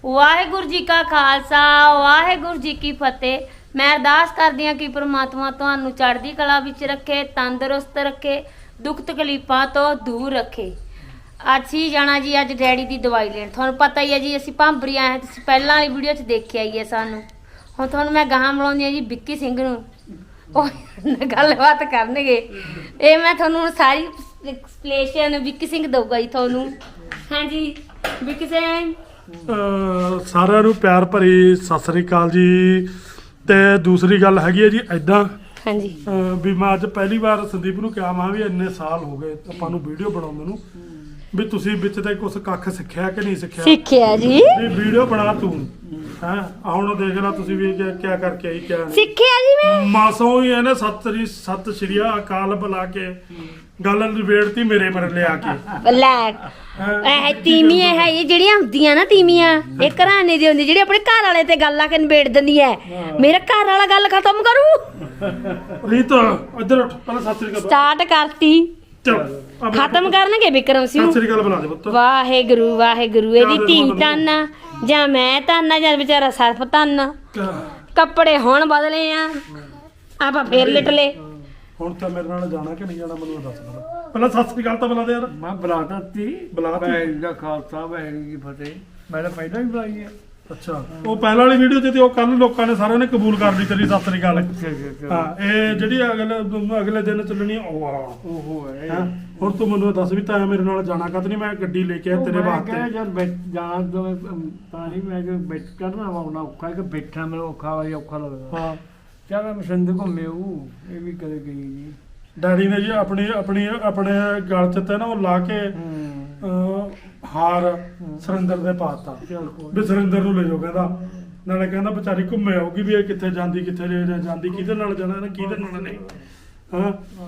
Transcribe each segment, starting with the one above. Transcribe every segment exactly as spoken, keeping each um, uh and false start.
ਵਾਹਿਗੁਰੂ ਜੀ ਕਾ ਖਾਲਸਾ ਵਾਹਿਗੁਰੂ ਜੀ ਕੀ ਫਤਿਹ। ਮੈਂ ਅਰਦਾਸ ਕਰਦੀ ਹਾਂ ਕਿ ਪ੍ਰਮਾਤਮਾ ਤੁਹਾਨੂੰ ਚੜ੍ਹਦੀ ਕਲਾ ਵਿੱਚ ਰੱਖੇ, ਤੰਦਰੁਸਤ ਰੱਖੇ, ਦੁੱਖ ਤਕਲੀਫਾਂ ਤੋਂ ਦੂਰ ਰੱਖੇ। ਅਸੀਂ ਜਾਣਾ ਜੀ ਅੱਜ ਡੈਡੀ ਦੀ ਦਵਾਈ ਲੈਣ। ਤੁਹਾਨੂੰ ਪਤਾ ਹੀ ਹੈ ਜੀ ਅਸੀਂ ਭਾਂਬਰੀ ਆਏ, ਤੁਸੀਂ ਪਹਿਲਾਂ ਵਾਲੀ ਵੀਡੀਓ 'ਚ ਦੇਖਿਆ ਹੀ ਹੈ ਸਾਨੂੰ। ਹੁਣ ਤੁਹਾਨੂੰ ਮੈਂ ਗਾਹਾਂ ਮਿਲਾਉਂਦੀ ਹਾਂ ਜੀ ਵਿੱਕੀ ਸਿੰਘ ਨੂੰ, ਉਹ ਗੱਲਬਾਤ ਕਰਨਗੇ। ਇਹ ਮੈਂ ਤੁਹਾਨੂੰ ਸਾਰੀ ਐਕਸਪਲੇਨੇਸ਼ਨ ਵਿੱਕੀ ਸਿੰਘ ਦਊਗਾ ਜੀ ਤੁਹਾਨੂੰ। ਹਾਂਜੀ ਵਿੱਕੀ ਸਿੰਘ। ਸਾਰਿਆਂ ਨੂੰ ਪਿਆਰ ਭਰੀ ਸਤਿ ਸ੍ਰੀ ਅਕਾਲ ਜੀ। ਤੇ ਦੂਸਰੀ ਗੱਲ ਹੈਗੀ ਹੈ ਜੀ ਐਦਾਂ ਹਾਂਜੀ ਵੀ ਮੈਂ ਅੱਜ ਪਹਿਲੀ ਵਾਰ ਸੰਦੀਪ ਨੂੰ ਕਿਹਾ ਮੈਂ ਵੀ ਇੰਨੇ ਸਾਲ ਹੋ ਗਏ ਆਪਾਂ ਨੂੰ ਵੀਡੀਓ ਬਣਾਉਂਦੇ ਨੂੰ, ਵੀ ਤੁਸੀਂ ਵਿੱਚ ਤੇ ਕੁਝ ਕੱਖ ਸਿੱਖਿਆ ਕਿ ਨਹੀਂ ਸਿੱਖਿਆ? ਸਿੱਖਿਆ ਜੀ। ਵੀ ਵੀਡੀਓ ਬਣਾ ਤੂੰ ਹੈ ਹੁਣ ਦੇਖ ਲੈ ਤੁਸੀਂ ਵੀ ਕਿਆ ਕਰਕੇ ਆਈ ਕਿਆ ਨਹੀਂ ਸਿੱਖਿਆ ਜੀ ਮੈਂ ਮਾਸੋਂ ਹੀ ਇਹਨੇ ਸਤਿ ਸ੍ਰੀ ਸਤਿ ਸ਼੍ਰੀ ਅਕਾਲ ਬੁਲਾ ਕੇ ਗੱਲ ਨਿਬੇੜਤੀ ਮੇਰੇ ਪਰ ਲਿਆ ਕੇ। ਲੈ ਇਹ ਤੀਵੀਆਂ ਹੈ ਇਹ ਜਿਹੜੀਆਂ ਹੁੰਦੀਆਂ ਨਾ ਤੀਵੀਆਂ, ਇਹ ਘਰਾਣੇ ਦੀ ਹੁੰਦੀ ਜਿਹੜੀ ਆਪਣੇ ਘਰ ਵਾਲੇ ਤੇ ਗੱਲ ਆ ਕੇ ਨਿਬੇੜ ਦਿੰਦੀ ਹੈ। ਮੇਰਾ ਘਰ ਵਾਲਾ ਗੱਲ ਖਤਮ ਕਰੂ। ਰੀਤ ਇੱਧਰ ਉੱਠ ਪਹਿਲਾਂ ਸਤਿ ਸ੍ਰੀ ਅਕਾਲ ਸਟਾਰਟ ਕਰਤੀ, ਚਲ ਖਤਮ ਕਰਨਗੇ ਵਿਕਰਮ ਸਿੰਘ। ਸਤਿ ਸ੍ਰੀ ਅਕਾਲ ਬੁਲਾ ਦੇ ਪੁੱਤ। ਵਾਹਿਗੁਰੂ ਵਾਹਿਗੁਰੂ। ਇਹਦੀ ਧੀ ਧੰਨ ਜਾਂ ਮੈਂ ਧੰਨ ਜਾਂ ਵਿਚਾਰਾ ਸਰਫ ਧੰਨ। ਕੱਪੜੇ ਹੁਣ ਬਦਲੇ ਆ, ਆਪਾਂ ਫੇਰ ਲਿਟ ਲਏ। ਹੁਣ ਤਾਂ ਮੇਰੇ ਨਾਲ ਜਾਣਾ ਕਿ ਨਹੀਂ ਜਾਣਾ ਮੈਨੂੰ ਦੱਸ ਦੇ ਪਹਿਲਾਂ। ਸਤਿ ਸ੍ਰੀ ਅਕਾਲ ਤਾਂ ਬੁਲਾ ਦੇ ਯਾਰ। ਮੈਂ ਬੁਲਾਤਾ ਤੀ ਬੁਲਾ ਤੀ। ਵਾਹਿਗੁਰੂ ਦਾ ਖਾਲਸਾ ਵਾਹਿਗੁਰੂ ਜੀ ਕੀ ਫਤਿਹ। ਮੈਂ ਤਾਂ ਪਹਿਲਾਂ ਹੀ ਬੁਲਾਈ ਹੈ। ਅੱਛਾ ਉਹ ਪਹਿਲਾਂ ਵਾਲੀ ਵੀਡੀਓ ਤੇ ਉਹ ਕੱਲ ਲੋਕਾਂ ਨੇ ਸਾਰਿਆਂ ਨੇ ਕਬੂਲ ਕਰ ਲਈ ਤੇਰੀ ਸਤਿ ਸ੍ਰੀ ਅਕਾਲ। ਹਾਂ ਇਹ ਜਿਹੜੀ ਅਗਲੇ ਅਗਲੇ ਦਿਨ ਚੱਲਣੀ ਉਹ ਆ ਉਹ ਹੈ। ਹੈਂ? ਹੁਣ ਤੂੰ ਮੈਨੂੰ ਦੱਸ ਵੀ ਤਾਂ ਮੇਰੇ ਨਾਲ ਜਾਣਾ ਕਦ ਨਹੀਂ? ਮੈਂ ਗੱਡੀ ਲੈ ਕੇ ਆਇਆ ਤੇਰੇ ਵਾਸਤੇ। ਜਦ ਜਾਣ ਤੋਂ ਤਾਂ ਨਹੀਂ ਮੈਂ ਕਿ ਬੈਠ ਕਰਨਾ ਆਉਣਾ ਔਖਾ ਕਿ ਬੈਠਣਾ ਮੈਨੂੰ ਔਖਾ ਵਾਲੀ ਔਖਾ ਲੱਗਦਾ। ਹਾਂ ਚੱਲ ਮੈਂ ਸਿੰਧ ਘੁੰਮੇ ਉਹ ਇਹ ਵੀ ਕਦੇ ਗਈ ਜੀ। ਡੈਡੀ ਨੇ ਜੀ ਆਪਣੀ ਆਪਣੀ ਆਪਣੇ ਗਲ 'ਚ ਤੇ ਨਾ ਉਹ ਲਾ ਕੇ ਅਹ, ਹਾਰ ਸੁਰਿੰਦਰ ਦੇ ਪਾਤਾ ਚੱਲ ਕੋਈ ਵੀ ਸੁਰਿੰਦਰ ਨੂੰ ਲੈ ਜਾਓ ਕਹਿੰਦਾ। ਨਾਲੇ ਕਹਿੰਦਾ ਵਿਚਾਰੀ ਘੁੰਮੇ ਆਉਗੀ ਵੀ ਇਹ ਕਿੱਥੇ ਜਾਂਦੀ ਕਿੱਥੇ ਜੇ ਜਾਂਦੀ ਕਿਹਦੇ ਨਾਲ ਜਾਣਾ ਇਹਨੇ ਕਿਹਦੇ ਨਾਲ ਨਹੀਂ। ਹਾਂ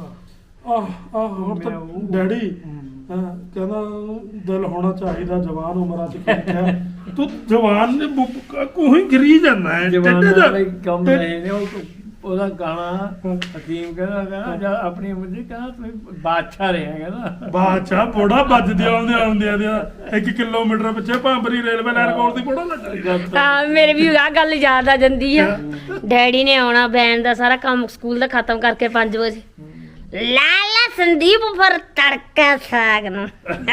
ਆਹ ਆਹ ਹੁਣ ਤਾਂ ਡੈਡੀ ਹਾਂ ਕਹਿੰਦਾ ਦਿਲ ਹੋਣਾ ਚਾਹੀਦਾ ਜਵਾਨ ਉਮਰਾਂ 'ਚ ਕਿਹਾ ਤੂੰ ਜਵਾਨ ਨੇ ਕੋਈ ਗਿਰੀ ਜਾਂਦਾ ਹੈ ਜਵਾਨਾਂ ਦਾ ਕੰਮ ਨਹੀਂ ਨੇ। ਉਹ ਉਹਦਾ ਗਾਣਾ ਹਕੀਮ ਕਹਿੰਦਾ ਕਹਿੰਦਾ ਜਦ ਆਪਣੀ ਉਮਰ ਦੀ ਕਹਿੰਦਾ ਤੁਸੀਂ ਬਾਦਸ਼ਾਹ ਰਿਹਾ ਕਹਿੰਦਾ। ਬਾਦਸ਼ਾਹ ਬੋੜਾ ਵੱਜਦੇ ਆਉਂਦੇ ਆਉਂਦੇ ਦੇ ਇੱਕ ਕਿਲੋਮੀਟਰ ਪਿੱਛੇ ਭਾਂਬਰੀ ਰੇਲਵੇ ਲਾਈਨ ਕੋਲ ਦੀ ਬੋੜਾ ਲੱਗ। ਹਾਂ ਮੇਰੇ ਵੀ ਆਹ ਗੱਲ ਯਾਦ ਆ ਜਾਂਦੀ ਆ। ਡੈਡੀ ਨੇ ਆਉਣਾ ਬੈਨ ਦਾ ਸਾਰਾ ਕੰਮ ਸਕੂਲ ਦਾ ਖਤਮ ਕਰਕੇ ਪੰਜ ਵਜੇ। ਲਾਲਾ ਸੰਦੀਪ ਪਰ ਤੜਕਾ ਸਾਗ ਨੂੰ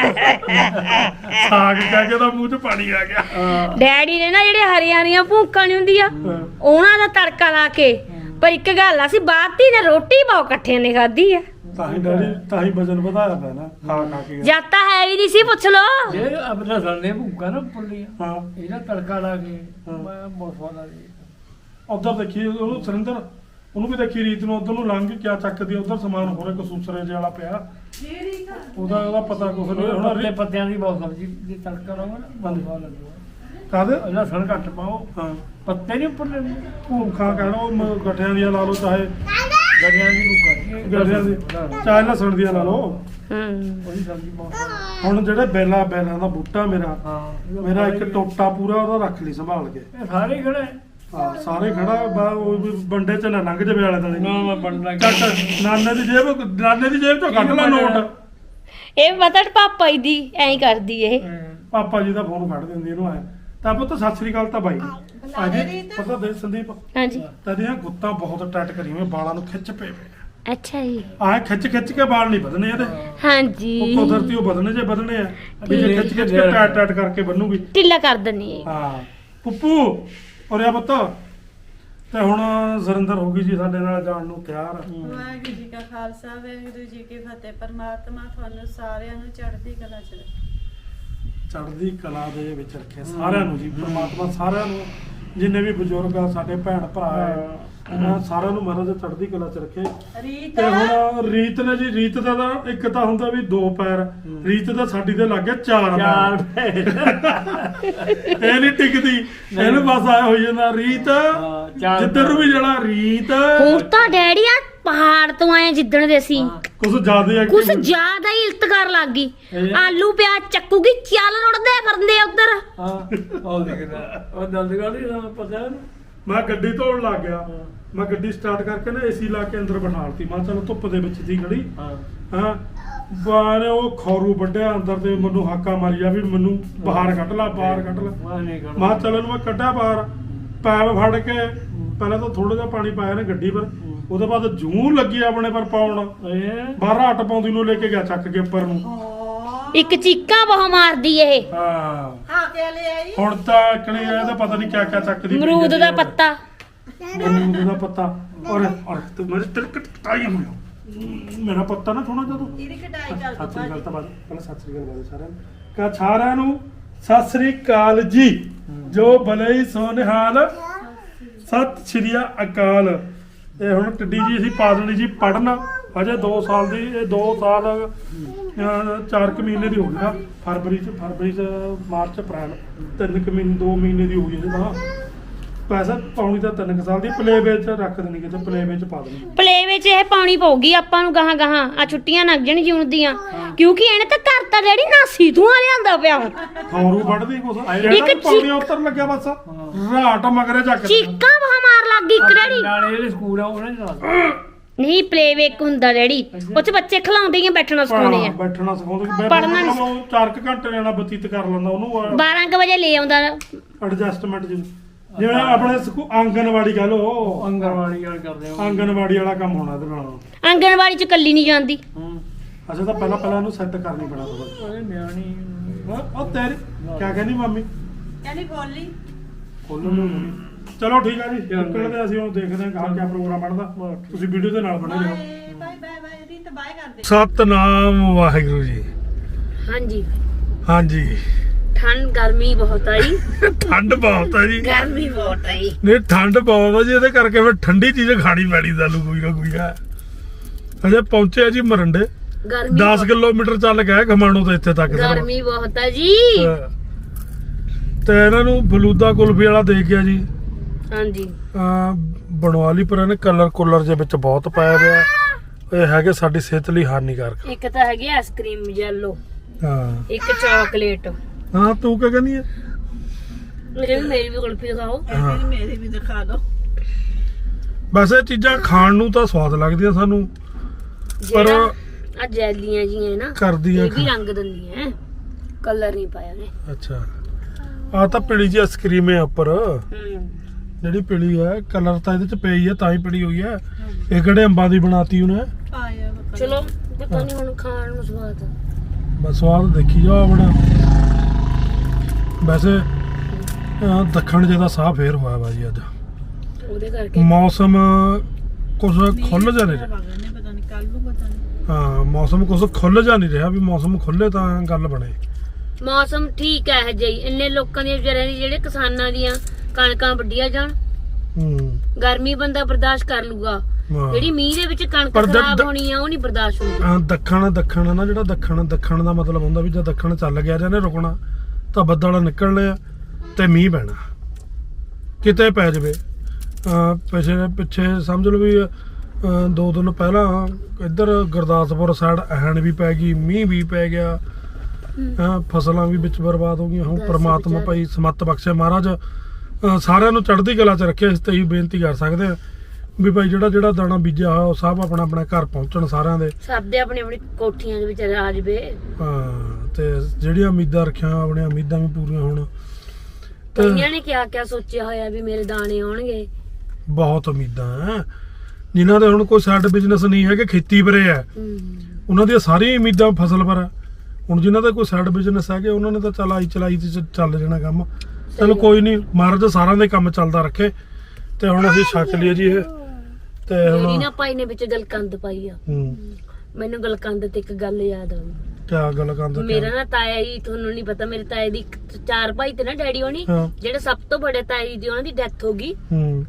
ਸਾਗ ਕਹਿ ਕੇ ਤਾਂ ਮੂੰਹ 'ਚ ਪਾਣੀ ਆ ਗਿਆ। ਡੈਡੀ ਨੇ ਨਾ ਜਿਹੜੇ ਹਰੀਆਂ ਹਰੀਆਂ ਭੂਕਾਂ ਨਹੀਂ ਹੁੰਦੀਆਂ ਉਹਨਾਂ ਦਾ ਤੜਕਾ ਲਾ ਕੇ। ਪਰ ਇੱਕ ਗੱਲ ਆ ਸੀ ਬਾਤੀ ਨੇ ਰੋਟੀ ਬਹੁਤ ਇਕੱਠਿਆਂ ਨੇ ਖਾਧੀ ਆ। ਤਾਂ ਹੀ ਡੈਡੀ ਤਾਂ ਹੀ ਵਜਨ ਵਧਾਇਆ ਪਿਆ ਨਾ ਖਾ ਖਾ ਕੇ। ਜਦ ਤਾਂ ਹੈ ਵੀ ਨਹੀਂ ਸੀ ਪੁੱਛ ਲੋ। ਇਹ ਆਪਣਾ ਸਾਨੇ ਭੁੱਖਾ ਨਾ ਪੁੱਲੀਆਂ ਹਾਂ ਇਹਦਾ ਤੜਕਾ ਲਾ ਕੇ ਮੈਂ ਬਹੁਤ ਸਵਾਦ ਆ ਜੀ। ਉਧਰ ਦੇਖੀ ਉਹਨੂੰ ਸੁਰਿੰਦਰ ਉਹਨੂੰ ਵੀ ਦੇਖੀ ਰੀਤ ਨੂੰ ਉਧਰ ਨੂੰ ਲੰਘ ਕੇ ਕਿਆ ਚੱਕਦੀ ਉਧਰ ਸਮਾਨ ਹੋਰ ਇੱਕ ਸੂਸਰੇ ਜਿਹੇ ਵਾਲਾ ਪਿਆ ਉਹਦਾ ਉਹਦਾ ਪਤਾ ਕੁਛ ਨਹੀਂ ਹੁਣ। ਪੱਤੇ ਪੱਤਿਆਂ ਦੀ ਬਹੁਤ ਸਬਜ਼ੀ ਦੀ ਤੜਕਾ ਲਾਉਂਗਾ ਨਾ ਬਹੁਤ ਸਵਾਦ ਲੱਗੂਗਾ। ਕਾਹਦੇ ਲਸਣ ਘੱਟ ਪਾਓ ਹਾਂ ਪੱਤੇ ਨਹੀਂ ਉੱਪਰ ਭੂਖਾ ਕਹਿਣਾ ਉਹ ਗੱਠਿਆਂ ਦੀਆਂ ਲਾ ਲਓ ਚਾਹੇ ਗੜਿਆਂ ਦੀ ਭੁੱਖਾ ਗੱਠਿਆਂ ਦੀ ਚਾਹੇ ਲਸਣ ਦੀਆਂ ਲਾ ਲਓ। ਹੂੰ ਉਹਦੀ ਸਬਜ਼ੀ ਬਹੁਤ ਸਵਾਦ। ਹੁਣ ਜਿਹੜੇ ਬੇਲਾ ਬੇਲਾਂ ਦਾ ਬੂਟਾ ਮੇਰਾ ਹਾਂ ਮੇਰਾ ਇੱਕ ਟੋਟਾ ਪੂਰਾ ਉਹਦਾ ਰੱਖ ਲਈ ਸੰਭਾਲ ਕੇ। ਇਹ ਸਾਰੇ ਖੜੇ ਹਾਂ ਸਾਰੇ ਖੜਾ ਬਾ ਉਹ ਵੀ ਬੰਡੇ ਚ ਨਾ ਲੰਘ ਜਾਵੇ ਵਾਲੇ ਨਾ ਤਲੇ। ਮੈਂ ਬਣਨਾ ਕੱਟ ਨਾਨੇ ਦੀ ਜੇਬ ਨਾਨੇ ਦੀ ਜੇਬ ਚੋਂ ਕੱਢ ਲੈ ਨੋਟ। ਇਹ ਪਤਾ ਪਾਪਾ ਜੀ ਦੀ ਐਂ ਕਰਦੀ ਇਹ। ਪਾਪਾ ਜੀ ਦਾ ਫੋਨ ਫੜ ਦਿੰਦੀ ਇਹਨੂੰ ਆਇਆ ਤਾਂ ਪੁੱਤ ਸਤਿ ਸ੍ਰੀ ਅਕਾਲ ਤਾਂ ਬਾਈ ਅਜੇ ਪਤਾ ਦੇ ਸੰਦੀਪ ਹਾਂਜੀ ਤੇਰੀਆਂ ਗੁੱਤਾਂ ਬਹੁਤ ਟਾਈਟ ਕਰੀਆਂ ਹੋਈਆਂ, ਬਾਲਾਂ ਨੂੰ ਖਿੱਚ ਪਏ ਪਏ ਅੱਛਾ ਜੀ। ਆਹ ਖਿੱਚ ਖਿੱਚ ਕੇ ਵਾਲ ਨਹੀਂ ਵਧਣੇ ਇਹਦੇ। ਹਾਂਜੀ ਉਹ ਕੁਦਰਤੀ ਉਹ ਵਧਣੇ ਜੇ ਵਧਣੇ ਆ ਵੀ ਜੇ ਖਿੱਚ ਖਿੱਚ ਕੇ ਟਾਈਟ ਟਾਈਟ ਕਰਕੇ ਬੰਨੂਗੀ। ਢਿੱਲਾ ਕਰ ਦਿੰਨੀ ਹੈ। ਹਾਂ ਪੁੱਪੂ ਔਰਿਆ ਪੁੱਤ ਤੇ ਹੁਣ ਸੁਰਿੰਦਰ ਹੋ ਗਈ ਜੀ ਸਾਡੇ ਨਾਲ ਜਾਣ ਨੂੰ ਤਿਆਰ। ਵਾਹਿਗੁਰੂ ਜੀ ਕਾ ਖਾਲਸਾ ਵਾਹਿਗੁਰੂ ਜੀ ਕੀ ਫਤਿਹ। ਪਰਮਾਤਮਾ ਤੁਹਾਨੂੰ ਸਾਰਿਆਂ ਨੂੰ ਚੜ੍ਹਦੀ ਕਲਾ ਚ ਰੱਖੇ। ਚੜ੍ਹਦੀ ਕਲਾ ਦੇ ਵਿੱਚ ਰੱਖੇ ਸਾਰਿਆਂ ਨੂੰ ਜੀ ਪਰਮਾਤਮਾ। ਸਾਰਿਆਂ ਨੂੰ ਜਿੰਨੇ ਵੀ ਬਜ਼ੁਰਗ ਆ ਸਾਡੇ ਭੈਣ ਭਰਾ ਹੈ ਉਹਨਾਂ ਸਾਰਿਆਂ ਨੂੰ ਮਹਾਰਾਜ ਚੜ੍ਹਦੀ ਕਲਾ ਚ ਰੱਖੇ। ਰੀਤ ਤੇ ਹੁਣ ਰੀਤ ਨੇ ਜੀ ਰੀਤ ਦਾ ਤਾਂ ਇੱਕ ਤਾਂ ਹੁੰਦਾ ਵੀ ਦੋ ਪੈਰ, ਰੀਤ ਦਾ ਸਾਡੀ ਦੇ ਲੱਗ ਗਿਆ ਚਾਰ ਚਾਰ ਪੈਰ। ਇਹ ਨਹੀਂ ਟਿਕਦੀ ਇਹਨੂੰ ਬਸ ਆਇਆ ਹੋਈ ਜਾਂਦਾ ਰੀਤ ਚਾਰ ਜਿੱਧਰ ਨੂੰ ਵੀ ਜਾਣਾ ਰੀਤ। ਹੁਣ ਤਾਂ ਡੈਡੀ ਆ ਪਹਾੜ ਤੋਂ ਆਏ ਜਿੱਦਣ ਦੇ ਅਸੀਂ ਕੁਝ ਜ਼ਿਆਦਾ ਹੈ ਕੁਛ ਜ਼ਿਆਦਾ ਹੀ ਇਲਤ ਕਰ ਲੱਗ ਗਈ। ਆਲੂ ਪਿਆਜ਼ ਚੱਕੂਗੀ ਚੱਲ ਰੁੜਦੇ ਫਿਰਦੇ ਉਧਰ। ਹਾਂ ਉਹ ਦੇਖਦਾ ਉਹ ਦੰਦ ਗਾਲੀ ਦਾ ਪਤਾ ਨਹੀਂ। ਮੈਂ ਗੱਡੀ ਧੋਣ ਲੱਗ ਗਿਆ। ਮੈਂ ਗੱਡੀ ਸਟਾਰਟ ਕਰਕੇ ਨਾ ਏਸੀ ਲਾ ਕੇ ਅੰਦਰ ਬਿਠਾ ਲਤੀ। ਮੈਂ ਚਲੋ ਧੁੱਪ ਦੇ ਵਿੱਚ ਸੀ ਖੜੀ। ਹਾਂ ਹਾਂ ਬਾਹਰ ਉਹ ਖੌਰੂ ਵੱਢਿਆ ਅੰਦਰ ਤੇ ਮੈਨੂੰ ਹਾਕਾ ਮਾਰੀ ਜਾ ਵੀ ਮੈਨੂੰ ਬਾਹਰ ਕੱਢ ਲਾ ਬਾਹਰ ਕੱਢ ਲਾ ਮੈਂ ਨਹੀਂ ਕਰਦਾ ਮੈਂ ਕਿਹਾ ਚੱਲ ਇਹਨੂੰ ਮੈਂ ਕੱਢਿਆ ਬਾਹਰ ਪੈਪ ਫੜ ਕੇ ਪਹਿਲਾਂ ਤਾਂ ਥੋੜਾ ਜਿਹਾ ਪਾਣੀ ਪਾਇਆ ਨੇ ਗੱਡੀ ਪਰ ਉਹਦੇ ਬਾਅਦ ਜੂੰ ਲੱਗੀ ਆਪਣੇ ਪਰ ਪਾਉਣ ਇਹ ਬਾਹਰ ਹੱਟ ਪਾਉਂਦੀ ਨੂੰ ਲੈ ਕੇ ਗਿਆ ਚੱਕ ਕੇ ਉੱਪਰ ਨੂੰ ਇੱਕ ਚੀਕਾਂ ਬਹੁਤ ਮਾਰਦੀ ਇਹ ਹਾਂ ਹਾਂ ਕੇ ਲੈ ਆਈ ਹੁਣ ਤਾਂ ਕਣੀ ਇਹਦਾ ਪਤਾ ਨਹੀਂ ਕਿਆ ਕਿਆ ਚੱਕਦੀ ਪਈ ਅਮਰੂਦ ਜਾਂਦੀ ਦਾ ਆ। ਪੱਤਾ ਅਮਰੂਦ ਦਾ ਪੱਤਾ ਔਰ ਔਰ ਤੇ ਮੇਰੇ ਤਿਲਕਟ ਟਾਈ ਹੋਇਆ ਮੇਰਾ ਪੱਤਾ ਨਾ ਥੋੜਾ ਜਿਹਾ ਤੂੰ ਇਹਦੀ ਕਟਾਈ ਕਰ ਸਤਿ ਸ੍ਰੀ ਅਕਾਲ ਦੋ ਤਾਂ ਬਾਅਦ ਪਹਿਲਾਂ ਸਤਿ ਸ੍ਰੀ ਅਕਾਲ ਬਾਅਦ ਸਾਰਿਆਂ ਨੂੰ ਕਾ ਸਾਰਿਆਂ ਨੂੰ ਸਤਿ ਸ੍ਰੀ ਅਕਾਲ ਜੀ ਜੋ ਭਲੇ ਹੀ ਸੋਨਿਹਾਲ ਸਤਿ ਸ੍ਰੀ ਅਕਾਲ ਇਹ ਹੁਣ ਟੱਡੀ ਜੀ ਅਸੀਂ ਪਾ ਦੇਣੀ ਜੀ ਪੜਨ ਹਜੇ ਦੋ ਸਾਲ ਦੀ ਇਹ ਦੋ ਸਾਲ ਅਹ, ਚਾਰ ਕੁ ਮਹੀਨੇ ਦੀ ਹੋ ਗਈ ਨਾ ਫਰਵਰੀ ਚ ਫਰਵਰੀ ਚ ਮਾਰਚ ਅਪ੍ਰੈਲ ਤਿੰਨ ਕੁ ਮਹੀਨੇ ਦੋ ਮਹੀਨੇ ਦੀ ਹੋ ਗਈ ਇਹਦਾ ਪੈਸਾ ਪਾਉਣੀ ਤਾਂ ਤਿੰਨ ਕੁ ਸਾਲ ਦੀ ਪਲੇ ਵਿੱਚ ਰੱਖ ਦੇਣੀ ਕਿਤੇ ਪਲੇ ਵਿੱਚ ਪਾ ਦੇਣੀ ਪਲੇ ਵਿੱਚ ਇਹ ਪਾਉਣੀ ਪਊਗੀ ਆਪਾਂ ਨੂੰ ਗਾਹਾਂ ਗਾਹਾਂ ਆ ਛੁੱਟੀਆਂ ਲੱਗ ਜਾਣ ਜੂਨ ਦੀਆਂ ਕਿਉਂਕਿ ਇਹਨੇ ਤਾਂ ਘਰ ਤਾਂ ਜਿਹੜੀ ਨਾਸੀ ਧੂਆਂ ਲਿਆਂਦਾ ਪਿਆ ਹੁਣ ਖੌਰੂ ਵੱਢਦੀ ਕੁਛ ਇੱਕ ਜਿਹੜਾ ਪੌੜੀਆਂ ਉੱਤਰ ਲੱਗਿਆ ਬਸ ਰਾਟ ਮਗਰੇ ਚੱਕ ਚੀਕਾਂ ਬਹੁਤ ਮਾਰ ਲੱਗ ਗਈ ਇੱਕ ਡੈਡੀ ਨਾਲੇ ਜਿਹੜੇ ਸਕੂਲ ਆ ਉਹਨਾਂ ਦੇ ਨਾਲ ਨਹੀਂ ਪਲੇ ਵੇਕ ਹੁੰਦਾ ਡੈਡੀ ਉਹ ਚ ਬੱਚੇ ਖਿਲਾਉਂਦੇ ਹੀ ਆ, ਬੈਠਣਾ ਸਿਖਾਉਂਦੇ ਆ ਬੈਠਣਾ ਸਿਖਾਉਂਦੇ ਪੜ੍ਹਨਾ ਨੀ। ਉਹ ਚਾਰ ਕੁ ਘੰਟੇ ਨਾਲ ਬਤੀਤ ਕਰ ਲੈਂਦਾ ਉਹਨੂੰ ਬਾਰਾਂ ਕੁ ਵਜੇ ਲੈ ਆਉਂਦਾ ਐਡਜਸਟਮੈਂਟ ਜਿਵੇਂ ਆਪਣੇ ਸਕੂ ਆਂਗਨਵਾੜੀ ਕਹ ਲੋ ਅੰਗਨਵਾੜੀ ਵਾਲ ਕਰਦੇ ਆ ਆਂਗਨਵਾੜੀ ਵਾਲਾ ਕੰਮ ਹੋਣਾ ਇਹਦੇ ਨਾਲ ਆਂਗਣਵਾੜੀ ਚ ਕੱਲੀ ਨਹੀਂ ਜਾਂਦੀ ਹੂੰ ਅੱਛਾ ਤਾਂ ਪਹਿਲਾਂ ਪਹਿਲਾਂ ਇਹਨੂੰ ਸੈੱਟ ਕਰਨੀ ਪੈਣਾ ਥੋੜਾ ਉਹਦੇ ਨਿਆਣੀ ਉਹ ਤੇਰੀ ਕਿਆ ਕਹਿੰਦੀ ਮੰਮੀ ਕਹਿੰਦੀ ਬੋਲੀ ਖੋਲਣ ਨੂੰ ਮੰਮੀ ਚਲੋ ਠੀਕ ਆ ਜੀ ਨਿਕਲਦੇ ਅਸੀਂ ਹੁਣ ਦੇਖਦੇ ਹਾਂ ਕਹਾਂ ਕਿਆ ਪ੍ਰੋਗਰਾਮ ਬਣਦਾ ਤੁਸੀਂ ਵੀਡੀਓ ਦੇ ਨਾਲ ਬਣੇ ਰਹੋ bye bye bye bye Reet bye ਕਰਦੇ ਸਤਨਾਮ ਵਾਹਿਗੁਰੂ ਜੀ ਹਾਂਜੀ ਹਾਂਜੀ ਠੰਡ ਗਰਮੀ ਬਹੁਤ ਆਈ ਠੰਡ ਬਹੁਤ ਹੈ ਜੀ ਗਰਮੀ ਬਹੁਤ ਆਈ ਨਹੀਂ ਠੰਡ ਬਹੁਤ ਹੈ ਜੀ ਇਹਦੇ ਕਰਕੇ ਫਿਰ ਠੰਡੀ ਚੀਜ਼ ਖਾਣੀ ਪੈਣੀ ਸਾਨੂੰ ਕੋਈ ਨਾ ਕੋਈ ਹੈ ਅਜੇ ਪਹੁੰਚੇ ਆ ਜੀ ਮਰੰਡੇ ਗਰਮੀ ਦਸ ਕਿਲੋਮੀਟਰ ਚੱਲ ਗਏ ਖਮਾਣੋ ਤੋਂ ਇੱਥੇ ਤੱਕ ਸਾਨੂੰ। ਗਰਮੀ ਬਹੁਤ ਹੈ ਜੀ ਹਾਂ। ਤੇ ਇਹਨਾਂ ਨੂੰ ਫਲੂਦਾ ਕੁਲਫੀ ਵਾਲਾ ਦੇ ਗਿਆ ਜੀ ਹਾਂਜੀ ਅਹ ਬਣਵਾ ਲਈ ਪਰ ਇਹਨੇ ਕਲਰ ਕੁਲਰ ਦੇ ਵਿੱਚ ਬਹੁਤ ਪਾਇਆ ਹੋਇਆ ਇਹ ਹੈਗੇ ਸਾਡੀ ਸਿਹਤ ਲਈ ਹਾਨੀਕਾਰਕ ਇੱਕ ਤਾਂ ਹੈਗੀ ਆਈਸਕ੍ਰੀਮ ਯੈਲੋ ਹਾਂ ਇੱਕ ਚਾਕਲੇਟ ਹਾਂ ਤੂੰ ਕੀ ਕਹਿੰਦੀ ਹੈ ਮੇਰੇ ਵੀ ਮੇਰੀ ਵੀ ਕੁਲਫੀ ਦਿਖਾਓ ਹਾਂ। ਇਹਦੀ ਮੇਰੀ ਵੀ ਦਿਖਾ ਦਿਓ ਵੈਸੇ ਇਹ ਚੀਜ਼ਾਂ ਖਾਣ ਨੂੰ ਤਾਂ ਸਵਾਦ ਲੱਗਦੀਆਂ ਸਾਨੂੰ ਪਰ ਜਿਹੜਾ ਆ ਜੈਲੀਆਂ ਜੀਆਂ ਨਾ ਕਰਦੀਆਂ ਇਹ ਵੀ ਰੰਗ ਦਿੰਦੀਆਂ ਕਲਰ ਨਹੀਂ ਪਾਇਆ ਨੇ ਅੱਛਾ ਆ ਤਾਂ ਪੀਲੀ ਜੀ ਆਈਸਕ੍ਰੀਮ ਹੈ ਉੱਪਰ ਹੂੰ ਜਿਹੜੀ ਪੀਲੀ ਹੈ ਕਲਰ ਤਾਂ ਇਹਦੇ ਚ ਪਈ ਹੈ ਤਾਂ ਹੀ ਪੀਲੀ ਹੋਈ ਹੈ ਇਹ ਕਿਹੜੇ ਅੰਬਾਂ ਦੀ ਬਣਾਤੀ ਉਹਨੇ ਆਇਆ ਪਤਾ ਚਲੋ ਪਤਾ ਨਹੀਂ ਹੁਣ ਖਾਣ ਨੂੰ ਸਵਾਦ ਆ। ਬਸ ਸਵਾਦ ਦੇਖੀ ਜਾਓ ਆਪਣਾ ਵੈਸੇ ਅਹ ਦੱਖਣ ਜਿਹਦਾ ਸਾਹ ਫੇਰ ਹੋਇਆ ਵਾ ਜੀ ਅੱਜ ਉਹਦੇ ਕਰਕੇ ਮੌਸਮ ਕੁਝ ਖੁੱਲ ਜਾ ਨਹੀਂ ਰਿਹਾ ਨਹੀਂ ਪਤਾ ਨਹੀਂ ਕੱਲ ਨੂੰ ਪਤਾ ਨਹੀਂ ਹਾਂ ਮੌਸਮ ਕੁਝ ਖੁੱਲ ਜਾ ਨਹੀਂ ਰਿਹਾ ਵੀ ਮੌਸਮ ਖੁੱਲੇ ਤਾਂ ਗੱਲ ਬਣੇ ਮੌਸਮ ਠੀਕ ਹੈ ਜੀ ਇੰਨੇ ਲੋਕਾਂ ਦੀਆਂ ਵਿਚਾਰਿਆਂ ਦੀ ਜਿਹੜੇ ਕਿਸਾਨਾਂ ਦੀਆਂ ਕਣਕਾਂ ਵੱਢੀਆਂ ਜਾਣ ਹੂੰ ਗਰਮੀ ਬੰਦਾ ਬਰਦਾਸ਼ਤ ਕਰ ਲੂਗਾ ਹਾਂ। ਜਿਹੜੀ ਮੀਂਹ ਦੇ ਵਿੱਚ ਕਣਕ ਪਰ ਦ- ਖਰਾਬ ਦ- ਹੋਣੀ ਆ ਉਹ ਨਹੀਂ ਬਰਦਾਸ਼ਤ ਹੁੰਦੀ ਹਾਂ, ਦੱਖਣ ਦੱਖਣ ਨਾ ਜਿਹੜਾ ਦੱਖਣ ਦੱਖਣ ਦਾ ਮਤਲਬ ਹੁੰਦਾ ਵੀ ਜੇ ਦੱਖਣ ਚੱਲ ਗਿਆ ਜਾਂ ਨੇ ਰੁਕਣਾ ਤਾਂ ਬੱਦਲ ਨਿਕਲਣੇ ਆ ਤੇ ਮੀਂਹ ਪੈਣਾ ਕਿਤੇ ਪੈ ਜਵੇ ਅਹ ਪਿਛੇ ਪਿੱਛੇ ਸਮਝ ਲਓ ਵੀ ਅਹ ਦੋ ਦਿਨ ਪਹਿਲਾਂ ਇੱਧਰ ਗੁਰਦਾਸਪੁਰ ਸਾਈਡ ਐਣ ਵੀ ਪੈ ਗਈ ਮੀਂਹ ਵੀ ਪੈ ਗਿਆ ਹਾਂ ਫਸਲਾਂ ਵੀ ਵਿੱਚ ਬਰਬਾਦ ਹੋ ਗਈਆਂ ਹੁਣ ਪ੍ਰਮਾਤਮਾ ਭਾਈ ਸਮੱਤ ਬਖਸ਼ੇ ਮਹਾਰਾਜ ਅਹ ਸਾਰਿਆਂ ਨੂੰ ਚੜ੍ਹਦੀ ਕਲਾ 'ਚ ਰੱਖੇ ਇਸ ਤੇ ਹੀ ਬੇਨਤੀ ਕਰ ਸਕਦੇ ਆ ਵੀ ਭਾਈ ਜਿਹੜਾ ਜਿਹੜਾ ਦਾਣਾ ਬੀਜਿਆ ਹੋਇਆ ਉਹ ਸਭ ਆਪਣਾ ਆਪਣਾ ਘਰ ਪਹੁੰਚਣ ਸਾਰਿਆਂ ਦੇ ਸਭ ਦੇ ਆਪਣੀ ਆਪਣੀ ਕੋਠੀਆਂ ਦੇ ਵਿੱਚ ਆ ਜਵੇ ਹਾਂ ਤੇ ਜਿਹੜੀਆਂ ਉਮੀਦਾਂ ਰੱਖੀਆਂ ਆਪਣੀਆਂ ਉਮੀਦਾਂ ਵੀ ਪੂਰੀਆਂ ਹੋਣ ਤੇ ਕਈਆਂ ਨੇ ਕਿਆ ਕਿਆ ਸੋਚਿਆ ਹੋਇਆ ਵੀ ਮੇਰੇ ਦਾਣੇ ਆਉਣਗੇ ਬਹੁਤ ਉਮੀਦਾਂ ਹੈ ਜਿਨ੍ਹਾਂ ਦੇ ਹੁਣ ਕੋਈ ਸਾਈਡ ਬਿਜ਼ਨਸ ਨਹੀਂ ਹੈ ਕਿ ਖੇਤੀ ਪਰੇ ਹੈ ਹੂੰ ਉਹਨਾਂ ਦੀਆਂ ਸਾਰੀਆਂ ਉਮੀਦਾਂ ਫਸਲ ਪਰ ਹੈ ਹੁਣ ਜਿਨ੍ਹਾਂ ਦਾ ਕੋਈ ਸਾਈਡ ਬਿਜ਼ਨਸ ਹੈਗੇ ਉਹਨਾਂ ਨੇ ਤਾਂ ਚਲਾਈ ਚਲਾਈ ਤੇ ਚ- ਚੱਲ ਜਾਣਾ ਕੰਮ ਚਲੋ ਕੋਈ ਨਹੀਂ ਮਹਾਰਾਜ ਸਾਰਿਆਂ ਦੇ ਕੰਮ ਚੱਲਦਾ ਰੱਖੇ ਤੇ ਹੁਣ ਅਸੀਂ ਛਕ ਲਈਏ ਜੀ ਇਹ ਤੇ ਮੇਰੀ ਹੁਣ ਨਾ ਭਾਈ ਨੇ ਵਿੱਚ ਗਲਕੰਦ ਪਾਈ ਆ ਹੂੰ ਮੈਨੂੰ ਗਲਕੰਦ ਤੇ ਇੱਕ ਗੱਲ ਯਾਦ ਆ ਗਈ ਕਿਆ ਗੱਲ ਕਰਦੇ ਮੇਰਾ ਨਾ ਤਾਇਆ ਜੀ ਤੁਹਾਨੂੰ ਨਹੀਂ ਪਤਾ ਮੇਰੇ ਤਾਏ ਦੀ ਇੱਕ- ਚਾਰ ਭਾਈ ਤੇ ਨਾ ਡੈਡੀ ਹੋਣੀ ਹਾਂ। ਜਿਹੜੇ ਸਭ ਤੋਂ ਵੱਡੇ ਤਾਏ ਜੀ ਦੀ ਉਹਨਾਂ ਦੀ ਡੈਥ ਹੋ ਗਈ ਹੂੰ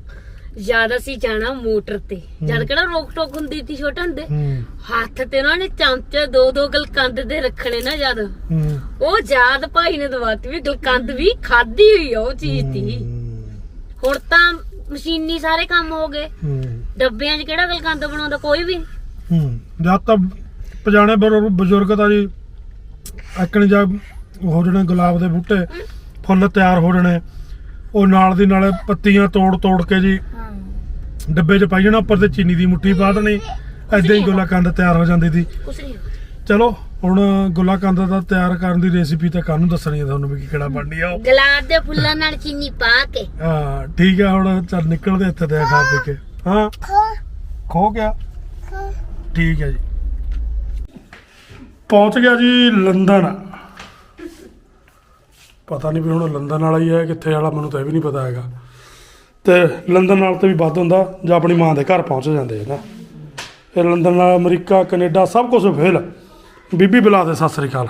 ਜਦ ਅਸੀਂ ਜਾਣਾ ਮੋਟਰ ਤੇ ਜਦ ਕਿਹੜਾ ਰੋਕ ਟੋਕ ਹੁੰਦੀ ਸੀ ਛੋਟੇ ਹੁੰਦੇ ਹੂੰ ਹੱਥ ਤੇ ਉਹਨਾਂ ਨੇ ਚਮਚੇ ਦੋ ਦੋ ਗਲਕੰਦ ਦੇ ਰੱਖਣੇ ਨਾ ਜਦ ਹੂੰ ਉਹ ਯਾਦ ਭਾਈ ਨੇ ਦਵਾਤੀ ਵੀ ਗਲਕੰਦ ਵੀ ਖਾਦੀ ਹੋਈ ਆ ਉਹ ਚੀਜ਼ ਦੀ ਹੁਣ ਤਾਂ ਮਸ਼ੀਨੀ ਸਾਰੇ ਕੰਮ ਹੋ ਗਏ ਹੂੰ ਡੱਬਿਆਂ 'ਚ ਕਿਹੜਾ ਗਲਕੰਦ ਬਣਾਉਂਦਾ ਕੋਈ ਵੀ ਹੂੰ ਜਦ ਤਾਂ ਪਜਾਣੇ ਬਰ- ਬਜ਼ੁਰਗ ਤਾਂ ਜੀ ਐਕਣ ਜਾ ਹੋ ਜਣੇ ਗੁਲਾਬ ਦੇ ਬੂਟੇ ਫੁੱਲ ਤਿਆਰ ਹੋ ਜਣੇ ਉਹ ਨਾਲ ਦੀ ਨਾਲ ਪੱਤੀਆਂ ਤੋੜ ਤੋੜ ਕੇ ਜੀ ਡੱਬੇ 'ਚ ਪਾਈ ਜਾਣਾ ਉੱਪਰ ਤੇ ਚੀਨੀ ਦੀ ਮੁੱਠੀ ਪਾ ਦੇਣੀ ਐਦਾਂ ਹੀ ਗੁਲਾਕੰਦ ਤਿਆਰ ਹੋ ਜਾਂਦੀ ਸੀ ਕੁਛ ਨਹੀਂ ਚਲੋ ਹੁਣ ਗੁੱਲਾ ਕੰਦ ਦਾ ਤਿਆਰ ਕਰਨ ਦੀ ਰੈਸਿਪੀ ਤਾਂ ਕਾਹਨੂੰ ਦੱਸਣੀ ਹੈ ਤੁਹਾਨੂੰ ਵੀ ਕਿਹੜਾ ਬਣਨੀ ਆ ਉਹ। ਗੁਲਾਬ ਦੇ ਫੁੱਲਾਂ ਨਾਲ ਚੀਨੀ ਪਾ ਕੇ ਹਾਂ ਠੀਕ ਆ ਹੁਣ ਚੱਲ ਨਿਕਲਦੇ ਇੱਥੇ ਤੇ ਖਾ ਪੀ ਕੇ। ਹਾਂ ਖੋ ਗਿਆ ਠੀਕ ਹੈ ਜੀ। ਪਹੁੰਚ ਗਿਆ ਜੀ ਲੰਦਨ। ਪਤਾ ਨਹੀਂ ਵੀ ਹੁਣ ਲੰਦਨ ਵਾਲਾ ਹੀ ਹੈ ਕਿੱਥੇ ਵਾਲਾ, ਮੈਨੂੰ ਤਾਂ ਇਹ ਵੀ ਨਹੀਂ ਪਤਾ ਹੈਗਾ। ਤੇ ਲੰਦਨ ਨਾਲ ਤੇ ਵੀ ਵੱਧ ਹੁੰਦਾ ਜਾਂ ਆਪਣੀ ਮਾਂ ਦੇ ਘਰ ਪਹੁੰਚ ਜਾਂਦੇ ਹੈ ਨਾ। ਇਹ ਲੰਦਨ ਨਾਲ ਅਮਰੀਕਾ ਕੈਨੇਡਾ ਸਭ ਕੁਝ ਫੇਲ। ਬੀਬੀ ਬੁਲਾ ਦੇ ਸਤਿ ਸ੍ਰੀ ਅਕਾਲ।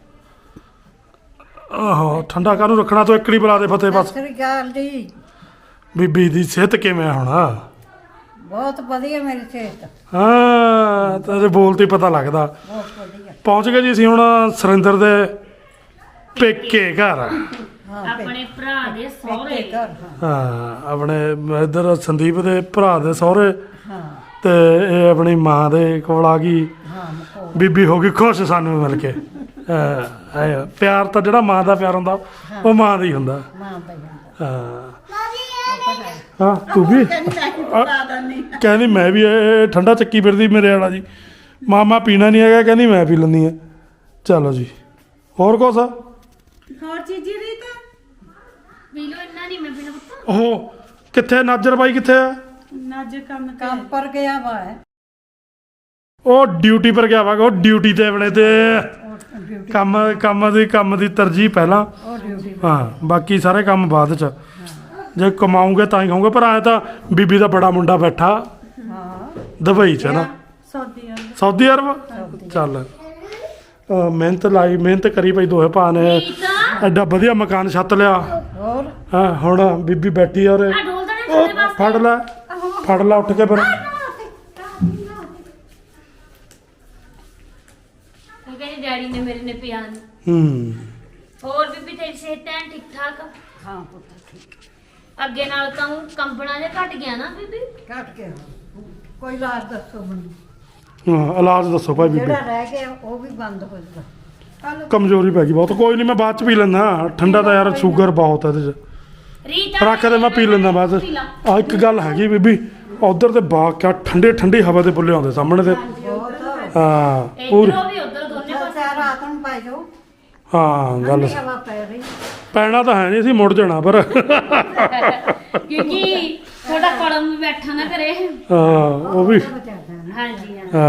ਆਹੋ ਠੰਡਾ ਕਾਹਨੂੰ ਰੱਖਣਾ ਤੂੰ ਇੱਕੜੀ ਬੁਲਾ ਦੇ ਫਤਿਹ ਬਸ। ਸਤਿ ਸ੍ਰੀ ਅਕਾਲ ਜੀ। ਬੀਬੀ ਦੀ ਸਿਹਤ ਕਿਵੇਂ ਹੁਣ? ਬਹੁਤ ਵਧੀਆ ਮੇਰੀ ਸਿਹਤ, ਹਾਂ ਤੇਰੇ ਬੋਲ ਤੇ ਹੀ ਪਤਾ ਲੱਗਦਾ। ਬਹੁਤ ਵਧੀਆ। ਪਹੁੰਚ ਗਏ ਜੀ ਅਸੀਂ ਹੁਣ ਸੁਰਿੰਦਰ ਦੇ ਪੇਕੇ ਘਰ। ਹਾਂ ਪੇ- ਆਪਣੇ ਭਰਾ ਦੇ ਸਹੁਰੇ ਪੇਕੇ ਘਰ, ਹਾਂ ਹਾਂ ਆਪਣੇ ਇੱਧਰ ਸੰਦੀਪ ਦੇ ਭਰਾ ਦੇ ਸਹੁਰੇ ਹਾਂ ਤੇ ਇਹ ਆਪਣੀ ਮਾਂ ਦੇ ਕੋਲ ਆ ਗਈ। ਹਾਂ ਮਕੋ ਬੀਬੀ ਹੋ ਗਈ ਖੁਸ਼ ਸਾਨੂੰ ਮਿਲ ਕੇ। ਹਾਂ ਆਏ ਪਿਆਰ ਤਾਂ ਜਿਹੜਾ ਮਾਂ ਦਾ ਪਿਆਰ ਹੁੰਦਾ ਉਹ ਮਾਂ ਦਾ ਹੀ ਹੁੰਦਾ। ਮਾਂ ਪਈ ਜਾਂਦਾ। ਹਾਂ ਹਾਂ ਤੂੰ ਵੀ ਆ, ਕਹਿੰਦੀ ਮੈਂ ਵੀ ਇਹ ਠੰਡਾ ਚੱਕੀ ਫਿਰਦੀ ਮੇਰੇ ਵਾਲਾ ਜੀ। ਮਾਮਾ ਪੀਣਾ ਨਹੀਂ ਹੈਗਾ ਕਹਿੰਦੀ ਮੈਂ ਪੀ ਲੈਂਦੀ ਆ। ਚਲੋ ਜੀ ਹੋਰ ਕੁਛ? ਹੋਰ ਚੀਜ਼ੀ ਦੀ ਤਾਂ ਪੀ ਲੋ ਇੰਨਾ ਨਹੀਂ ਮੈਂ ਪੀਣਾ ਪੁੱਤ। ਉਹ ਕਿੱਥੇ ਨਾਜਰ ਬਾਈ ਕਿੱਥੇ ਆ? ਨੱਜ ਕੰਮ ਤੇ ਕੰਮ ਪਰ ਗਿਆ ਵਾ ਹੈ ਉਹ ਡਿਊਟੀ ਪਰ ਗਿਆ ਵਾ। ਉਹ ਡਿਊਟੀ ਤੇ ਆਪਣੇ ਤੇ ਉਹ ਡਿਊਟੀ ਕੰਮ ਕੰਮ ਦੀ ਕੰਮ ਦੀ ਤਰਜੀਹ ਪਹਿਲਾਂ। ਉਹ ਡਿਊਟੀ ਹਾਂ ਬਾਕੀ ਸਾਰੇ ਕੰਮ ਬਾਅਦ ਚ। ਜੇ ਕਮਾਉਂਗੇ ਤਾਂ ਹੀ ਖਾਉਂਗੇ। ਪਰ ਆਏ ਤਾਂ ਬੀਬੀ ਦਾ ਬੜਾ ਮੁੰਡਾ ਬੈਠਾ ਹਾਂ ਦੁਬਈ ਚ ਨਾ ਸੌਦੀ ਆ ਸਾਊਦੀ ਅਰਬ। ਚੱਲ ਅਹ ਮਿਹਨਤ ਲਾਈ ਮਿਹਨਤ ਕਰੀ ਭਾਈ ਦੋਹੇ ਭਾ ਨੇ ਐਡਾ ਵਧੀਆ ਮਕਾਨ ਛੱਤ ਲਿਆ। ਹੋਰ ਹਾਂ ਹੁਣ ਬੀਬੀ ਬੈਠੀ ਆ ਔਰ ਆ ਢੋਲ ਦਾ ਨਾ ਉਹ ਫੜ ਲੈ ਫੜ ਲੈ ਉੱਠ ਕੇ ਫਿਰ। ਉਹ ਕਹਿੰਦੀ ਡੈਡੀ ਨੇ ਮੇਰੇ ਨੇ ਪਿਆ ਨੀ। ਹੂੰ ਹੋਰ ਬੀਬੀ ਤੇਰੀ ਸਿਹਤ ਐਨ ਠੀਕ ਠਾਕ? ਹਾਂ ਪੁੱਤ ਠੀਕ ਅੱਗੇ ਨਾਲ ਤਾਂ ਊਂ ਕੰਬਣਾ ਜਿਹਾ ਘਟ ਗਿਆ ਨਾ ਬੀਬੀ। ਕੱਟ ਕੇ ਕੋਈ ਇਲਾਜ ਦੱਸੋ ਮੈਨੂੰ, ਹਾਂ ਇਲਾਜ ਦੱਸੋ ਭਾਈ ਬੀਬੀ। ਜਿਹੜਾ ਰਹਿ ਗਿਆ ਉਹ ਵੀ ਬੰਦ ਹੋ ਜਾਊਗਾ। ਕਮਜ਼ੋਰੀ ਪੈ ਗਈ ਬਹੁਤ। ਕੋਈ ਨਹੀਂ ਮੈਂ ਬਾਅਦ ਚ ਪੀ ਲੈਂਦਾ। ਠੰਡਾ ਤਾਂ ਯਾਰ ਸ਼ੂਗਰ ਬਹੁਤ ਹੈ ਇਹਦੇ ਚ। ਰੀਤਾ ਰੱਖ ਦੇ ਮੈਂ ਪੀ ਲੈਂਦਾ ਬਾਅਦ। ਆ ਇੱਕ ਗੱਲ ਹੈਗੀ ਬੀਬੀ ਉਧਰ ਤੇ ਬਾਗ ਕਿਆ ਠੰਡੇ ਠੰਡੀ ਹਵਾ ਦੇ ਬੁੱਲੇ ਆਉਂਦੇ ਸਾਹਮਣੇ ਤੇ। ਬਹੁਤ ਹਾਂ ਪੂਰੀ ਇਧਰੋਂ ਵੀ ਉਧਰ ਦੋਨੇ ਚੱਲ ਪਾਸੇ। ਚਾਰ ਰਾਤ ਨੂੰ ਪਾਈ ਜਾਓ। ਹਾਂ ਗੱਲ ਠੰਡੀ ਹਵਾ ਪੈ ਰਹੀ। ਪੈਣਾ ਤਾਂ ਹੈ ਨਹੀਂ ਸੀ ਮੁੜ ਜਾਣਾ ਪਰ ਕਿਉਂਕਿ ਥੋੜਾ ਕਲਮ ਵੀ ਬੈਠਾ ਨਾ ਕਰੇ। ਹਾਂ ਉਹ ਵੀ ਬਚਾਦਾ ਨਾ ਹਾਂਜੀ ਹਾਂ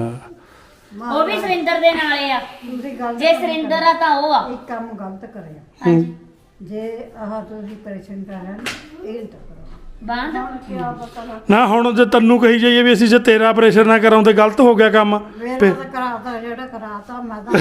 ਹਾਂ ਉਹ ਵੀ ਸੁਰਿੰਦਰ ਦੇ ਨਾਲੇ ਆ। ਦੂਸਰੀ ਗੱਲ ਜੇ ਸੁਰਿੰਦਰ ਆ ਤਾਂ ਉਹ ਆ। ਇੱਕ ਕੰਮ ਗਲਤ ਕਰਿਆ। ਹਾਂਜੀ ਜੇ ਆਹ ਤੁਸੀਂ ਪਰੇਸ਼ਾਨ ਕਰ ਰਹੇ ਹੋ ਇਹ ਤਾਂ ਕਰੋ। ਬਾਂਦ ਹੁਣ ਕੀ ਪਤਾ ਲੱਗ ਨਾ ਹੁਣ ਜੇ ਤੈਨੂੰ ਕਹੀ ਜਾਈਏ ਵੀ ਅਸੀਂ ਜੇ ਤੇਰਾ ਆਪਰੇਸ਼ਨ ਨਾ ਕਰਾਉਂਦੇ ਗਲਤ ਹੋ ਗਿਆ ਕੰਮ। ਮੇਰਾ ਫਿਰ- ਤਾਂ ਕਰਾਤਾ ਜਿਹੜਾ ਕਰਾਤਾ ਮੈਂ ਤਾਂ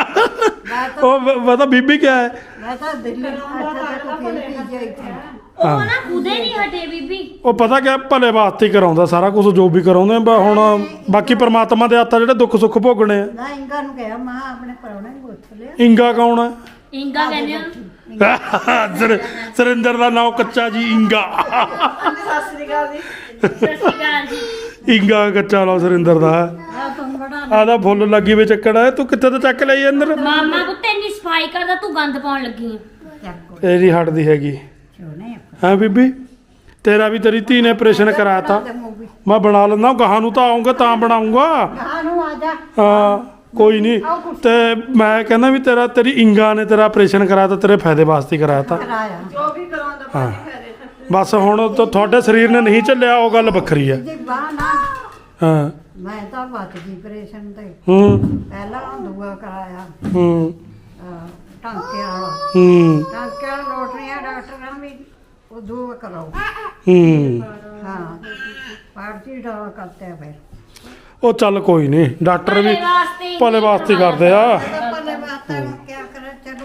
ਮੈਂ ਤਾਂ ਉਹ ਬ- ਪਤਾ ਬੀਬੀ ਕਿਆ ਹੈ? ਮੈਂ ਤਾਂ ਦਿੱਲੀ ਅੱਛਾ ਤੱਕ ਫਿਰ ਪੀ ਜਾਈ ਥੀ। ਉਹ ਨਾ ਖੁਦੇ ਨਹੀਂ ਹਟੇ ਬੀਬੀ। ਉਹ ਪਤਾ ਕਿਆ ਭਲੇ ਵਾਸਤੇ ਹੀ ਕਰਾਉਂਦਾ ਸਾਰਾ ਕੁਝ ਜੋ ਵੀ ਕਰਾਉਂਦੇ ਆ। ਹੁਣ ਬਾਕੀ ਪ੍ਰਮਾਤਮਾ ਦੇ ਹੱਥ ਆ ਜਿਹੜੇ ਦੁੱਖ ਸੁੱਖ ਭੋਗਣੇ ਆ। ਨਾ ਇੰਗਾ ਨੂੰ ਕਿਹਾ ਮੈਂ ਆਪਣੇ ਪਰੌਣੇ ਨੂੰ ਪੁੱਛ ਲਿਆ। ਇੰਗਾ ਕੌਣ ਹੈ? ਇੰਗਾ ਕਹਿੰਦੇ ਆ। ਸਰ- ਸੁਰਿੰਦਰ ਦਾ ਨਾਮ ਕੱਚਾ ਜੀ ਇੰਗਾ। ਸਤਿ ਸ੍ਰੀ ਅਕਾਲ ਜੀ। ਸਤਿ ਸ਼੍ਰੀ ਅਕਾਲ ਜੀ। ਇੰਗਾ ਕੱਚਾ ਲੋ ਸੁਰਿੰਦਰ ਦਾ। ਆ ਤੂੰ ਬੜਾ ਆਦਾ ਫੁੱਲ ਲੱਗੀ ਵੇ ਚੱਕੜ ਹੈ। ਤੂੰ ਕਿੱਥੇ ਤੋਂ ਚੱਕ ਲਈ ਅੰਦਰ? ਮਾਮਾ ਪੁੱਤ ਇੰਨੀ ਸਫਾਈ ਕਰਦਾ ਤੂੰ ਗੰਦ ਪਾਉਣ ਲੱਗੀ ਆ। ਚੱਕ ਇਹ ਨਹੀਂ ਹਟਦੀ ਹੈਗੀ। ਚੋਨੇ ਹਾਂ ਬੀਬੀ ਤੇਰਾ ਵੀ ਤੇਰੀ ਧੀ ਨੇ ਆਪਰੇਸ਼ਨ ਕਰਾਤਾ। ਤੇ ਮੂਵੀ ਮੈਂ ਬਣਾ ਲੈਂਦਾ ਗਾਹਾਂ ਨੂੰ ਤਾਂ ਆਉਂਗਾ ਤਾਂ ਬਣਾਉਂਗਾ। ਗਾਹ ਨੂੰ ਆ ਜਾ। ਹਾਂ ਕੋਈ ਨਹੀਂ। ਤੇ ਮੈਂ ਕਹਿੰਦਾ ਵੀ ਤੇਰਾ ਤੇਰੀ ਇੰਗਾ ਨੇ ਤੇਰਾ ਆਪਰੇਸ਼ਨ ਕਰਾਤਾ ਤੇਰੇ ਫਾਇਦੇ ਵਾਸਤੇ ਹੀ ਕਰਾਤਾ। ਕਰਾਇਆ ਜੋ ਵੀ ਕਰਾਉਂਦਾ ਹਾਂ ਭਾਜੀ ਖਰੇ ਤਾਂ ਬਸ ਹੁਣ ਤਾਂ ਤੁਹਾਡੇ ਸਰੀਰ ਨੇ ਨਹੀਂ ਚੱਲਿਆ ਉਹ ਗੱਲ ਵੱਖਰੀ ਹੈ। ਜੀ ਬਾਹ ਨਾ ਹਾਂ ਮੈਂ ਤਾਂ ਬਚ ਗਈ ਆਪਰੇਸ਼ਨ ਤੇ। ਹੂੰ ਪਹਿਲਾਂ ਦੂਆ ਕਰਾਇਆ ਹੂੰ ਅਹ, ਟਾਂਕੇ ਵਾਲਾ। ਹੂੰ ਟਾਂਕੇ ਵਾਲਾ ਲੋਟਰੀਆਂ ਡਾਕਟਰਾਂ ਵੀ ਉਹ ਦੂਆ ਕਰਾਓ। ਹੂੰ हाँ पार्टी दवा करते हैं फिर ਉਹ ਚੱਲ ਕੋਈ ਨਹੀਂ ਡਾਕਟਰ ਵੀ ਭਲੇ ਵਾਸਤੇ ਹੀ ਭਲੇ ਵਾਸਤੇ ਹੀ ਕਰਦੇ ਆ। पहले बात है क्या करें चलो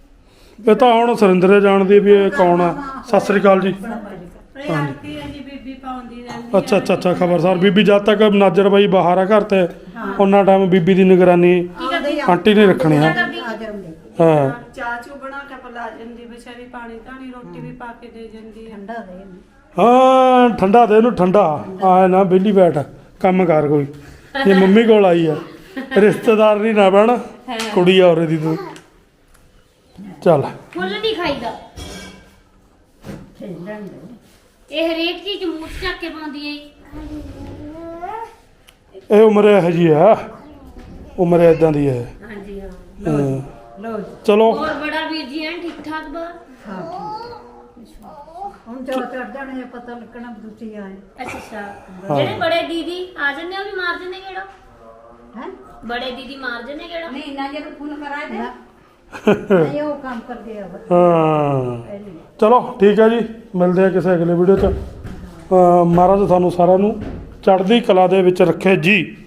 ਇਹ ਤਾਂ ਹੁਣ ਸੁਰਿੰਦਰੇ ਜਾਣਦੀ ਵੀ ਇਹ ਕੌਣ ਆ। ਸਤਿ ਸ੍ਰੀ ਅਕਾਲ ਜੀ। ਇਹ ਆਂਟੀ ਹੈ ਜੀ ਬੀਬੀ ਪਾਉਂਦੀ ਰਹਿੰਦੀ ਅੱਛਾ ਅੱਛਾ ਅੱਛਾ ਖਬਰਦਾਰ ਬੀਬੀ ਜਦ ਤੱਕ ਨਾਜਰ ਬਾਈ ਬਾਹਰ ਆ ਘਰ ਤੇ ਉਹਨਾਂ ਟਾਈਮ ਬੀਬੀ ਦੀ ਨਿਗਰਾਨੀ ਆਂਟੀ ਨੇ ਰੱਖਣੀ ਆ। आ जाऊंगी ਹਾਂ ਚਾਹ ਚੂ ਬਣਾ ਕੇ ਪਿਲਾ ਜਾਂਦੀ ਵਿਚਾਰੀ, ਪਾਣੀ ਧਾਣੀ ਰੋਟੀ ਵੀ ਪਾ ਕੇ ਦੇ ਜਾਂਦੀ ਹੈ। ठंडा दे ਹਾਂ ਠੰਡਾ ਦੇ ਇਹਨੂੰ ਠੰਡਾ ਆਏ ਨਾ ਵਿਹਲੀ ਬੈਠ ਕੰਮ ਕਰ ਕੋਈ। ਜੇ ਮੰਮੀ ਕੋਲ ਆਈ ਆ ਰਿਸ਼ਤੇਦਾਰ ਨਹੀਂ ਨਾ ਬਣ ਕੁੜੀ ਆ ਔਰੇ ਦੀ ਤੂੰ। ਚੱਲ ਫੁੱਲ ਨਹੀਂ ਖਾਈਦਾ। खेलन दे ਇਹ ਹਰੇਕ ਚੀਜ਼ ਮੂੰਹ 'ਚ ਚੱਕ ਕੇ ਪਾਉਂਦੀ ਏ। ਇਹ ਉਮਰ ਇਹੋ ਜੀ ਆ ਉਮਰ ਇਦਾਂ ਦੀ ਹੈ। ਹਾਂਜੀ ਹਾਂ। ਹਾਂ, ਲਓ ਜੀ। ਚਲੋ ਹੋਰ ਬੜਾ ਵੀਰ ਜੀ ਐਨ ਠੀਕ ਠਾਕ ਬਾ? ਹਾਂ ਠੀਕ। ਹੁਣ ਜਦੋਂ ਚੜ ਜਾਣੇ ਆ, ਪਤਾ ਲੱਗਣਾ ਵੀ ਤੁਸੀਂ ਆਏ ਅੱਛਾ ਅੱਛਾ। ਜਿਹੜੇ ਬੜੇ ਦੀਦੀ ਆ ਜਾਂਦੇ ਉਹ ਵੀ ਮਾਰ ਜਾਂਦੇ ਕਿਹੜਾ? ਹੈ। ਬੜੇ ਦੀਦੀ ਮਾਰ ਜਾਂਦੇ ਕਿਹੜਾ? ਨਹੀਂ ਨਾ ਜੇ ਫੋਨ ਕਰਾਏ ਤੇ ਨਹੀਂ ਉਹ ਕੰਮ ਕਰਦੇ ਆ ਹਾਂ ਪਹਿਲੇ। ਚਲੋ ਠੀਕ ਹੈ ਜੀ, ਮਿਲਦੇ ਆ ਕਿਸੇ ਅਗਲੇ ਵੀਡੀਓ 'ਚ। ਅਹ ਮਹਾਰਾਜ ਤੁਹਾਨੂੰ ਸਾਰਿਆਂ ਨੂੰ ਚੜ੍ਹਦੀ ਕਲਾ ਦੇ ਵਿੱਚ ਰੱਖੇ ਜੀ।